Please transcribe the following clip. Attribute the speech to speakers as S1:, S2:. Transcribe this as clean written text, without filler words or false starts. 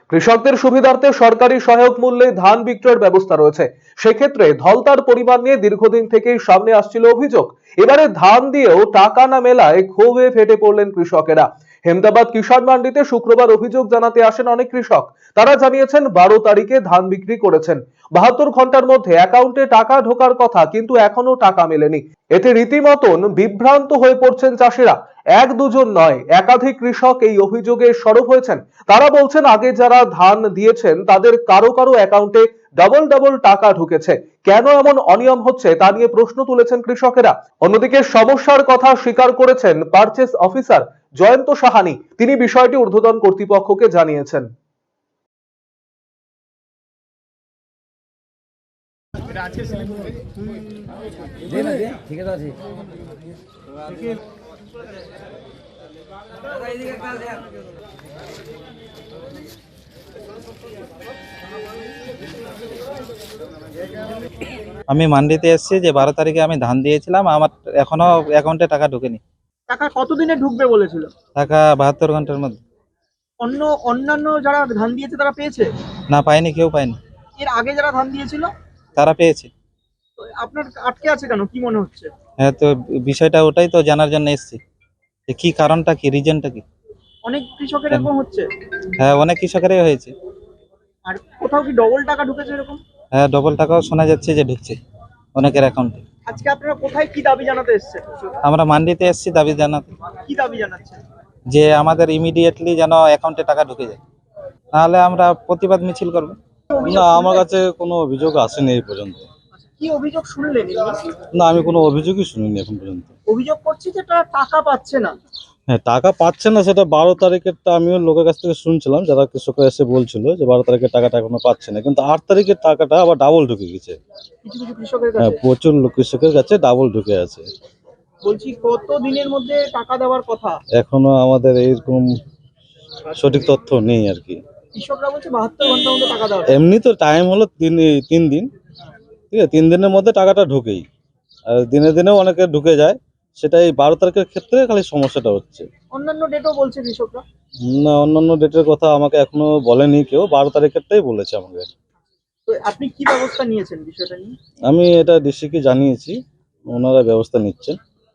S1: কৃষকদের সুবিধার্থে সরকারি সহায়ক মূল্যে ধান বিক্রয়ের ব্যবস্থা রয়েছে। সেক্ষেত্রে ধলতার পরিমাণ নিয়ে দীর্ঘদিন থেকেই সামনে আসছিল অভিযোগ। এবারে ধান দিয়েও টাকা না মেলায় ক্ষোভে ফেটে পড়লেন কৃষকেরা। হেমদাবাদ কিষাণ মান্ডিতে শুক্রবার অভিযোগ জানাতে আসেন অনেক কৃষক। তারা জানিয়েছেন 12 তারিখে ধান বিক্রি করেছেন, 72 ঘন্টার মধ্যে অ্যাকাউন্টে টাকা ঢোকার কথা, কিন্তু এখনো টাকা মেলেনি। এতে রীতিমতন বিভ্রান্ত হয়ে পড়ছেন চাষিরা। এক দুজন নয়, একাধিক কৃষক এই অভিযোগে সরব হয়েছেন। তারা বলছেন আগে যারা ধান দিয়েছেন তাদের কারো কারো অ্যাকাউন্টে ডবল টাকা ঢুকেছে। কেন এমন অনিয়ম হচ্ছে তা নিয়ে প্রশ্ন তুলেছেন কৃষকেরা। অন্যদিকে সমস্যার কথা স্বীকার করেছেন পারচেজ অফিসার জয়ন্ত সাহানি। তিনি বিষয়টি ঊর্ধ্বতন কর্তৃপক্ষকে জানিয়েছেন।
S2: আমি মান্ডিতে এসেছি যে 12 তারিখে আমি ধান দিয়েছিলাম, আমার এখনো অ্যাকাউন্টে টাকা ঢোকেনি।
S3: টাকা কতদিনে ঢুকবে বলেছিল?
S2: টাকা 72 ঘন্টার মধ্যে।
S3: অন্যান্য যারা ধান দিয়েছে তারা পেয়েছে?
S2: না, পাইনি, কেউ পায়নি।
S3: এর আগে যারা ধান দিয়েছিল
S2: তারা পেয়েছে।
S3: তো আপনার আটকে আছে কেন, কি মনে হচ্ছে?
S2: হ্যাঁ, তো বিষয়টা ওটাই তো জানার জন্য এসেছি, যে কি কারণটা, কি রিজনটা কি।
S3: অনেক কৃষকের এরকম হচ্ছে?
S2: হ্যাঁ, অনেক কৃষকেরই হয়েছে।
S3: আর কোথাও কি ডবল টাকা ঢুকেছে এরকম?
S2: হ্যাঁ, ডবল টাকাও শোনা যাচ্ছে যে ঢুকছে অনেকের অ্যাকাউন্টে।
S3: আজকে আপনারা কোথায় কি দাবি জানাতে এসেছেন?
S2: আমরা মান্ডিতে এসেছি দাবি জানাতে,
S3: কি দাবি জানাচ্ছেন?
S2: যে আমাদের ইমিডিয়েটলি যেন অ্যাকাউন্টে টাকা ঢুকে যায়, নাহলে আমরা প্রতিবাদ মিছিল করব।
S4: না, আমার কাছে কোনো অভিযোগ আসেনি এই পর্যন্ত।
S3: কি অভিযোগ শুনলেন?
S4: না, আমি কোনো অভিযোগই শুনিনি এখন পর্যন্ত।
S3: অভিযোগ করছি যে তারা টাকা পাচ্ছে না।
S4: হ্যাঁ, টাকা পাচ্ছে না, সেটা 12 তারিখেরটা আমিও লোকের কাছ থেকে শুনছিলাম, যারা কৃষকরা এসে বলছিল যে 12 তারিখের টাকাটা এখনো পাচ্ছে না, কিন্তু 8 তারিখের টাকাটা আবার ডাবল ঢুকে গেছে।
S3: কিছু কিছু কৃষকের
S4: হ্যাঁ,
S3: কাছে
S4: প্রচুর কৃষকের কাছে ডাবল ঢুকে আছে।
S3: বলছি কত দিনের মধ্যে টাকা দেওয়ার কথা?
S4: এখনো আমাদের এইরকম সঠিক তথ্য নেই আর কি।
S3: কৃষকরা বলছে 72 ঘন্টার মধ্যে টাকা দেওয়ার।
S4: এমনি তো টাইম হলো 3 দিন, ঠিক আছে, 3 দিনের মধ্যে টাকাটা ঢুকেই, আর দিনে দিনেও অনেকে ঢুকে যায়। সেটা এই 12 তারিখের ক্ষেত্রে খালি সমস্যাটা হচ্ছে।
S3: অন্যান্য ডেটও বলছে কৃষকরা?
S4: না, অন্যান্য ডেটের কথা আমাকে এখনো বলেনি কেউ, 12 তারিখেরটাই বলেছে আমাকে।
S3: তো আপনি কি ব্যবস্থা নিয়েছেন বিষয়টা নিয়ে?
S4: আমি এটা ডিসিকে জানিয়েছি, ওনারা ব্যবস্থা নিচ্ছেন।